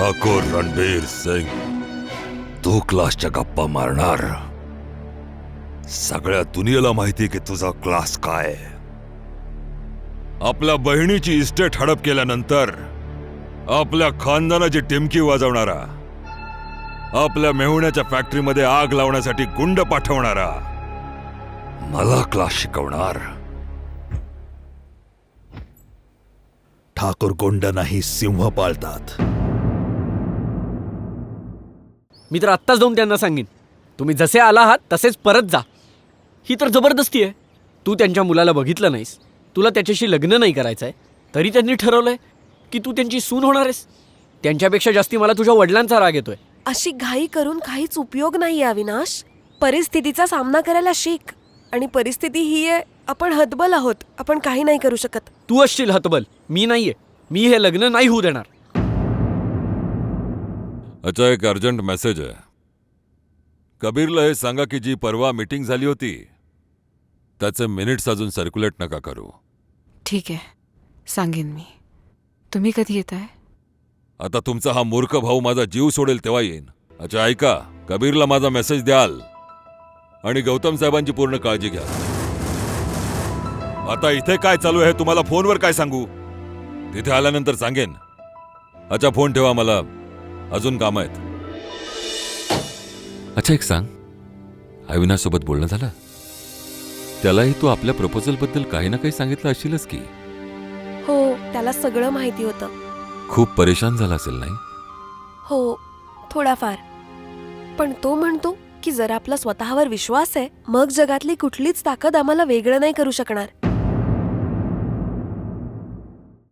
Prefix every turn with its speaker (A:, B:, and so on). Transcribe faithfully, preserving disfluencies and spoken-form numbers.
A: ठाकूर रणबीर सिंग, तू क्लासच्या गप्पा मारणार? सगळ्या दुनियेला माहिती की तुझा क्लास काय. आपल्या बहिणीची इस्टेट हडप केल्यानंतर आपल्या खानदानाची टिमकी वाजवणारा, आपल्या मेहुण्याच्या फॅक्टरीमध्ये आग लावण्यासाठी गुंड पाठवणारा मला क्लास शिकवणार?
B: ठाकूर गुंड नाही, सिंह पाळतात.
C: मी तर आत्ताच जाऊन त्यांना सांगेन, तुम्ही जसे आला आहात तसेच परत जा. ही तर जबरदस्ती आहे. तू त्यांच्या मुलाला बघितलं नाहीस, तुला त्याच्याशी लग्न नाही करायचं आहे, तरी त्यांनी ठरवलंय की तू त्यांची सून होणार आहेस. त्यांच्यापेक्षा जास्ती मला तुझ्या वडिलांचा राग येतोय.
D: अशी घाई करून काहीच उपयोग नाहीये अविनाश. परिस्थितीचा सामना करायला शिक. आणि परिस्थिती ही आहे, आपण हतबल आहोत, आपण काही नाही करू शकत.
C: तू असशील हतबल, मी नाहीये. मी हे लग्न नाही होऊ देणार.
A: अच्छा, एक अर्जंट मेसेज आहे. कबीरला हे सांगा की जी परवा मीटिंग झाली होती त्याचे मिनिट्स अजून सर्क्युलेट नका करू.
E: ठीक आहे, सांगेन मी. तुम्ही कधी येताय?
A: आता तुमचा हा मूर्ख भाऊ माझा जीव सोडेल तेव्हा येईन. अच्छा ऐका, कबीरला माझा मेसेज द्याल आणि गौतम साहेबांची पूर्ण काळजी घ्या. आता इथे काय चालू आहे तुम्हाला फोनवर काय सांगू, तिथे आल्यानंतर सांगेन. अच्छा फोन ठेवा, मला अजून काम आहेत. अच्छा एक सांग, अविनाश सोबत बोलणं झालं? त्यालाही तू आपल्या प्रपोजल बद्दल काही ना काही सांगितलं असशीलच की?
D: हो, त्याला सगळं माहिती होतं.
A: खूप परेशान झाला असेल नाही?
D: हो, थोडाफार. पण तो म्हणतो की जर आपला स्वतःवर विश्वास आहे, मग जगातली कुठलीच ताकद आम्हाला वेगळं नाही करू शकणार.